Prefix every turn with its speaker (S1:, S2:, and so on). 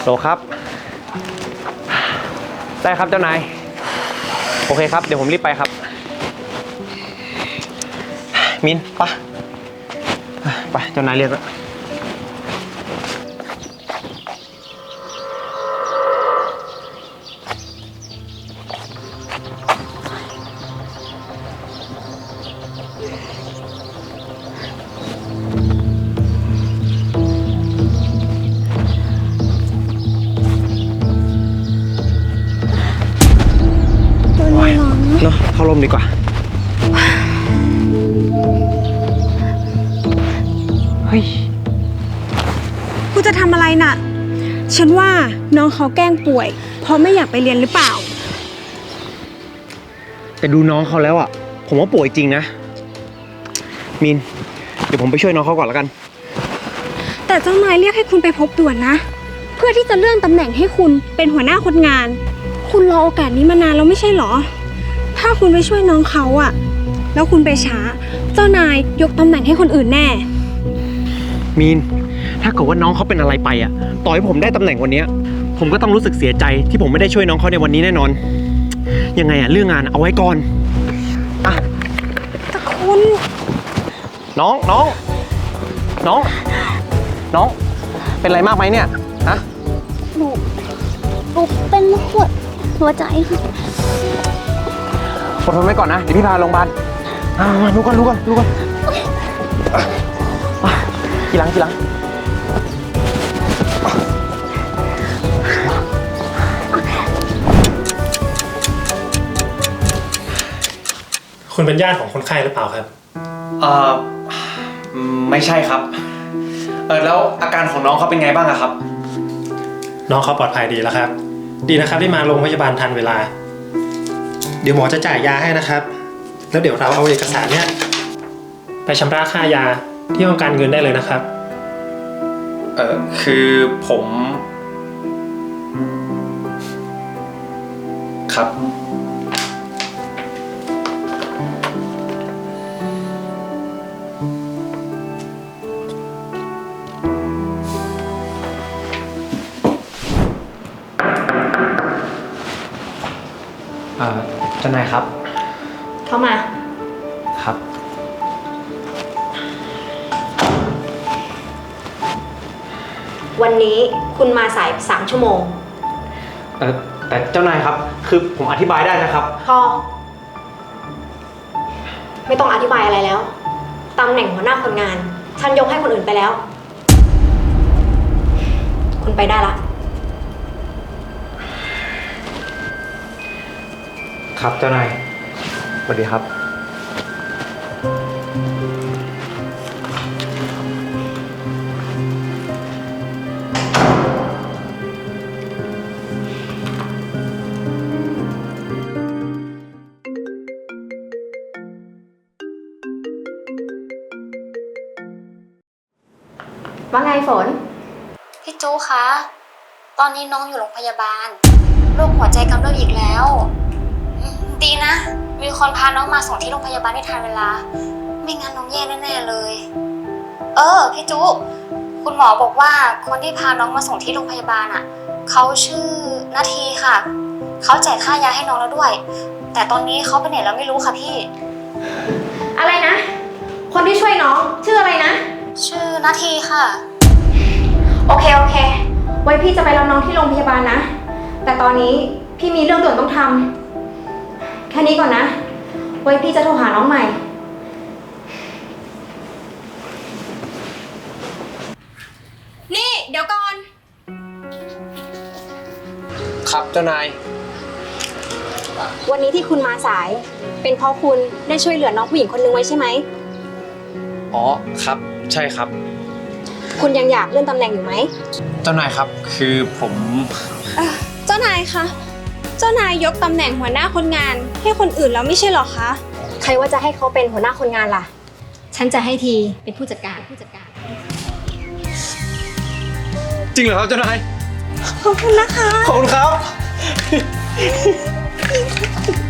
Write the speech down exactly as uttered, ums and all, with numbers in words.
S1: โหลครับได้ครับเจ้านายโอเคครับเดี๋ยวผมรีบไปครับมินไปไปเจ้านายเรียกแล้วเนาะเข้าร่มดีกว่าเฮ้ย
S2: กูจะทำอะไรน่ะฉันว่าน้องเขาแกล้งป่วยเพราะไม่อยากไปเรียนหรือเปล่า
S1: แต่ดูน้องเขาแล้วอ่ะผมว่าป่วยจริงนะมินเดี๋ยวผมไปช่วยน้องเขาก่อนแล้วกัน
S2: แต่เจ้านายเรียกให้คุณไปพบด่วนนะเพื่อที่จะเลื่อนตำแหน่งให้คุณเป็นหัวหน้าคนงานคุณรอโอกาสนี้มานานแล้วไม่ใช่หรอถ้าคุณไปช่วยน้องเขาอะแล้วคุณไปช้าเจ้านายยกตำแหน่งให้คนอื่นแน่
S1: มีนถ้าเกิดว่าน้องเขาเป็นอะไรไปอะต่อให้ผมได้ตำแหน่งวันนี้ผมก็ต้องรู้สึกเสียใจที่ผมไม่ได้ช่วยน้องเขาในวันนี้แน่นอนยังไงอะเรื่องงานเอาไว้ก่อนอะ
S2: แต่คุณ
S1: น้องน้องน้องน้องเป็นอะไรมากไหมเนี่ยฮะ
S3: หนูหนูเป็นหัวหัวใจค่ะ
S1: อดทนไว้ก่อนนะเดี๋ยวพี่พาโรงพยาบาลมาดูก่อนดูก่อนดูก่อนกี่หลังกี่หลัง
S4: คุณเป็นญาติของคนไข้หรือเปล่าครับ
S1: เอ่อไม่ใช่ครับเออแล้วอาการของน้องเขาเป็นไงบ้างอะครับ
S4: น้องเขาปลอดภัยดีแล้วครับดีนะครับที่มาโรงพยาบาลทันเวลาเดี๋ยวหมอจะจ่ายยาให้นะครับแล้วเดี๋ยวเราเอาเอกสารเนี้ยไปชำระค่ายาที่ห้องการเงินได้เลยนะครับ
S1: เออคือผมครับเอ่อเจ้านายครับ
S2: เข้ามา
S1: ครับ
S2: วันนี้คุณมาสายสามชั่วโมง
S1: เออแต่เจ้านายครับคือผมอธิบายได้นะครับ
S2: พอไม่ต้องอธิบายอะไรแล้วตำแหน่งหัวหน้าคนงานฉันยกให้คนอื่นไปแล้วคุณไปได้ละ
S1: ครับเจ้านายสวัสดีครับ
S2: ว่าไงฝน
S3: พี่จูคะตอนนี้น้องอยู่โรงพยาบาลโรคหัวใจกำเริบอีกแล้วดีนะมีคนพาน้องมาส่งที่โรงพยาบาลได้ทันเวลาไม่งั้นน้องแย่แน่ๆเลยเออพี่จูคุณหมอบอกว่าคนที่พาน้องมาส่งที่โรงพยาบาลอ่ะเขาชื่อนาทีค่ะเขาจ่ายค่ายาให้น้องแล้วด้วยแต่ตอนนี้เขาไปไหนแล้วไม่รู้ค่ะพี่
S2: อะไรนะคนที่ช่วยน้องชื่ออะไรนะ
S3: ชื่อนาทีค่ะ
S2: โอเคโอเคไว้พี่จะไปรับน้องที่โรงพยาบาลนะแต่ตอนนี้พี่มีเรื่องด่วนต้องทำแค่นี้ก่อนนะไว้พี่จะโทรหาน้องใหม่นี่เดี๋ยวก่อน
S1: ครับเจ้านาย
S2: วันนี้ที่คุณมาสายเป็นเพราะคุณได้ช่วยเหลือน้องผู้หญิงคนนึงไว้ใช่ไหม
S1: อ๋อครับใช่ครับ
S2: คุณยังอยากเลื่อนตำแหน่งอยู่ไหม
S1: เจ้านายครับคือผม
S2: เจ้านายคะเจ้านายยกตำแหน่งหัวหน้าคนงานให้คนอื่นแล้วไม่ใช่หรอคะใครว่าจะให้เขาเป็นหัวหน้าคนงานล่ะฉันจะให้ทีเป็นผู้จัดการผู้จัดการ
S1: จริงเหรอครับเจ้านาย
S2: ขอบคุณนะคะ
S1: ขอบคุณครับ